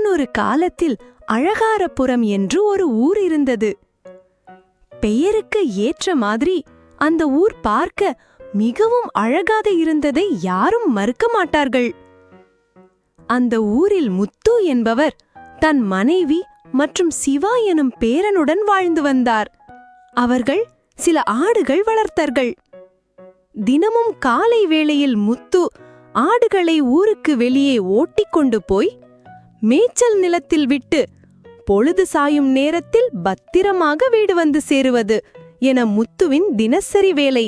முன்னொரு காலத்தில் அழகாரபுரம் என்று ஒரு ஊர் இருந்தது. பெயருக்கு ஏற்ற மாதிரி அந்த ஊர் பார்க்க மிகவும் அழகாக இருந்ததை யாரும் மறுக்க மாட்டார்கள். அந்த ஊரில் முத்து என்பவர் தன் மனைவி மற்றும் சிவா எனும் பேரனுடன் வாழ்ந்து வந்தார். அவர்கள் சில ஆடுகள் வளர்த்தார்கள். தினமும் காலை வேளையில் முத்து ஆடுகளை ஊருக்கு வெளியே ஓட்டிக்கொண்டு போய் மேய்ச்சல் நிலத்தில் விட்டு பொழுது சாயும் நேரத்தில் பத்திரமாக வீடு வந்து சேருவது என முத்துவின் தினசரி வேலை.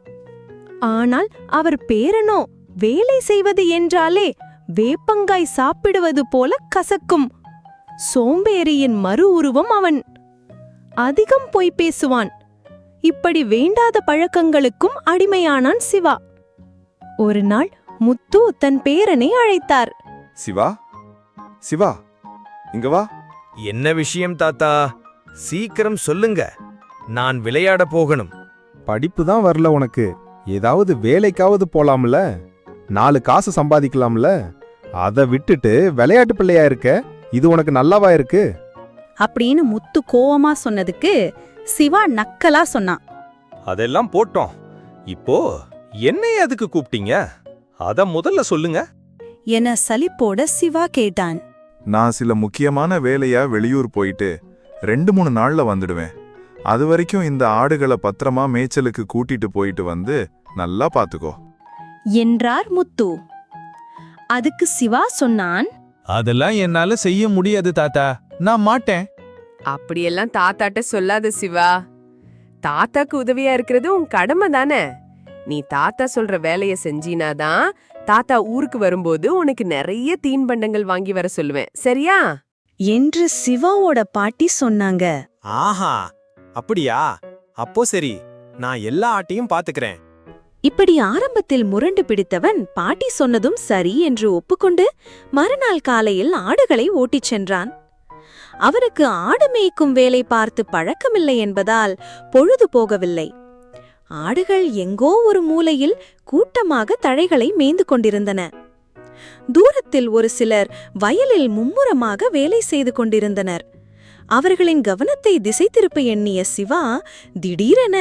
ஆனால் அவர் பேரனோ வேலை செய்வது என்றாலே வேப்பங்காய் சாப்பிடுவது போல கசக்கும் சோம்பேறியின் மறு உருவம் அவன். அதிகம் பொய் பேசுவான். இப்படி வேண்டாத பழக்கங்களுக்கும் அடிமையானான் சிவா. ஒரு நாள் முத்து தன் பேரனை அழைத்தார். சிவா, சிவா, இங்க வா. என்ன விஷயம் தாத்தா? சீக்கிரம் சொல்லுங்க, நான் விளையாட போகணும். படிப்பு தான் வரல உனக்கு, ஏதாவது வேலைக்காவது போலாம்ல, 4 காசு சம்பாதிக்கலாம்ல. அதை விட்டுட்டு விளையாட்டு பிள்ளையா இருக்க, இது உனக்கு நல்லாவா இருக்கு? அப்படின்னு முத்து கோவமா சொன்னதுக்கு சிவா நக்கலா சொன்னான். அதெல்லாம் போட்டோம், இப்போ என்னைய அதுக்கு கூப்பிட்டீங்க? அத முதல்ல சொல்லுங்க என சலிப்போட சிவா கேட்டான். நான் சில முக்கியமான வேலையா வெளியூர் போயிட்டு 2-3 நாள்ல வந்துடுவேன். அது வரைக்கும் இந்த ஆடுகளை பத்திரமா மேய்ச்சலுக்கு கூட்டிட்டு போயிட்டு வந்து நல்லா பாத்துக்கோ என்றார் முத்து. அதுக்கு சிவா சொன்னான், அதெல்லாம் என்னால செய்ய முடியாது தாத்தா, நான் மாட்டேன். அப்படியெல்லாம் தாத்தாட்ட சொல்லாத சிவா. தாத்தாக்கு உதவியா இருக்கிறது உன் கடமை தானே. நீ தாத்தா சொல்ற வேலைய செஞ்சினாதான் தாத்தா ஊருக்கு வரும்போது உனக்கு நிறைய தீன்பண்டங்கள் வாங்கி வர சொல்லுவேன், சரியா? என்று சிவாவோட பாட்டி சொன்னாங்க. ஆஹா, அப்படியா? அப்போ சரி, நான் எல்லா ஆட்டையும் பாத்துக்கிறேன். இப்படி ஆரம்பத்தில் முரண்டு பிடித்தவன் பாட்டி சொன்னதும் சரி என்று ஒப்புக்கொண்டு மறுநாள் காலையில் ஆடுகளை ஓட்டிச் சென்றான். அவனுக்கு ஆடு மேய்க்கும் வேலை பார்த்து பழக்கமில்லை என்பதால் பொழுது போகவில்லை. ஆடுகள் எங்கோ ஒரு மூலையில் கூட்டமாக தழைகளை மேய்ந்து கொண்டிருந்தன. தூரத்தில் ஒரு சிலர் வயலில் மும்முரமாக வேலை செய்து கொண்டிருந்தனர். அவர்களின் கவனத்தை திசை திருப்ப எண்ணிய சிவா திடீரென,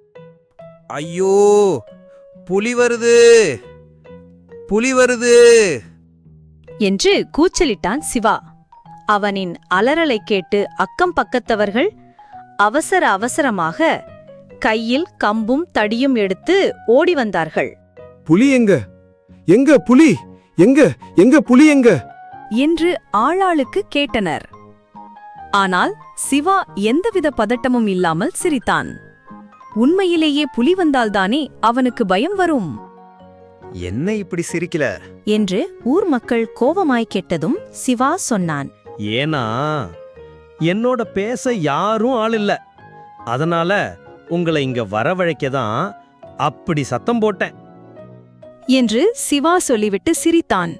ஐயோ, புலி வருது, புலி வருது என்று கூச்சலிட்டான் சிவா. அவனின் அலறலை கேட்டு அக்கம் பக்கத்தவர்கள் அவசர அவசரமாக கையில் கம்பும் தடியும் எடுத்து ஓடி வந்தார்கள். புலி எங்க? எங்க புலி? எங்க எங்க புலி எங்க என்று ஆளாளுக்கு கேட்டனர். ஆனால் சிவா எந்தவித பதட்டமும் இல்லாமல் சிரித்தான். உண்மையிலேயே புலி வந்தால்தானே அவனுக்கு பயம் வரும். என்ன இப்படி சிரிக்கல என்று ஊர் மக்கள் கோபமாய் கேட்டதும் சிவா சொன்னான். ஏனா என்னோட பேச யாரும் ஆள் இல்ல, அதனால உங்களை இங்க வரவழைக்கதான் அப்படி சத்தம் போட்டேன் என்று சிவா சொல்லிவிட்டு சிரித்தான்.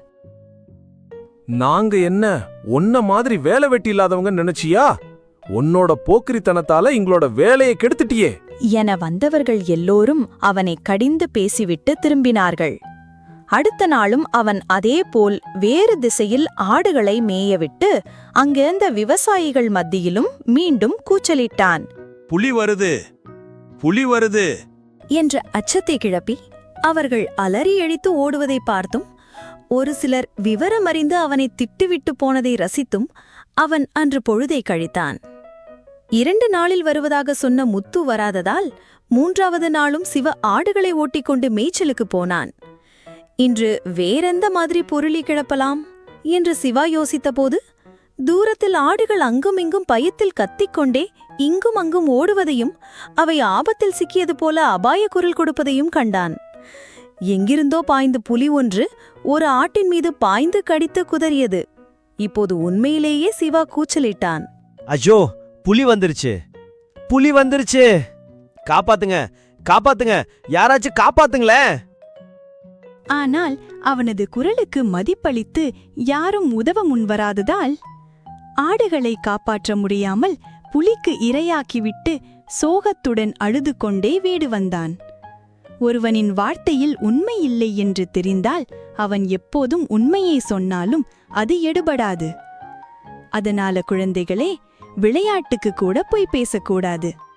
நாங்க என்ன உன்ன மாதிரி வேலை வெட்டி இல்லாதவங்க நினைச்சியா? உன்னோட போக்கிரித்தனத்தால எங்களோட வேலையை கெடுத்துட்டியே என வந்தவர்கள் எல்லோரும் அவனை கடிந்து பேசிவிட்டு திரும்பினார்கள். அடுத்த நாளும் அவன் அதேபோல் வேறு திசையில் ஆடுகளை மேயவிட்டு அங்கிருந்த விவசாயிகள் மத்தியிலும் மீண்டும் கூச்சலிட்டான். புலி வருது, புலி வருது என்ற அச்சத்தை கிளப்பி அவர்கள் அலறி எழித்து ஓடுவதை பார்த்தும் ஒரு சிலர் விவரமறிந்து அவனை திட்டுவிட்டு போனதை ரசித்தும் அவன் அன்று பொழுதை கழித்தான். 2 நாளில் வருவதாக சொன்ன முத்து வராததால் 3வது நாளும் சிவ ஆடுகளை ஓட்டிக்கொண்டு மேய்ச்சலுக்கு போனான். இன்று வேறெந்த மாதிரி பொருளி கிளப்பலாம் என்று சிவா யோசித்தபோது தூரத்தில் ஆடுகள் அங்குமிங்கும் பயத்தில் கத்திக்கொண்டே இங்கும் அங்கும் ஓடுவதையும் அவை ஆபத்தில் சிக்கியது போல அபாய குரல் கொடுப்பதையும் கண்டான். எங்கிருந்தோ பாய்ந்து புலி ஒன்று ஒரு ஆட்டின் மீது பாய்ந்து கடித்து குதறியது. இப்போது உண்மையிலேயே சிவா கூச்சலிட்டான். அஜோ, புலி வந்துருச்சு, புலி வந்துருச்சு, காப்பாத்துங்க, காப்பாத்துங்க, யாராச்சும் காப்பாத்துங்களேன். ஆனால் அவனது குரலுக்கு மதிப்பளித்து யாரும் உதவ முன்வராததால் ஆடுகளை காப்பாற்ற முடியாமல் புலிக்கு இரையாக்கிவிட்டு சோகத்துடன் அழுது கொண்டே வீடு வந்தான். ஒருவனின் வார்த்தையில் உண்மை இல்லை என்று தெரிந்தால் அவன் எப்போதும் உண்மையை சொன்னாலும் அது எடுபடாது. அதனால குழந்தைகளே, விளையாட்டுக்கு கூட போய் பேசக்கூடாது.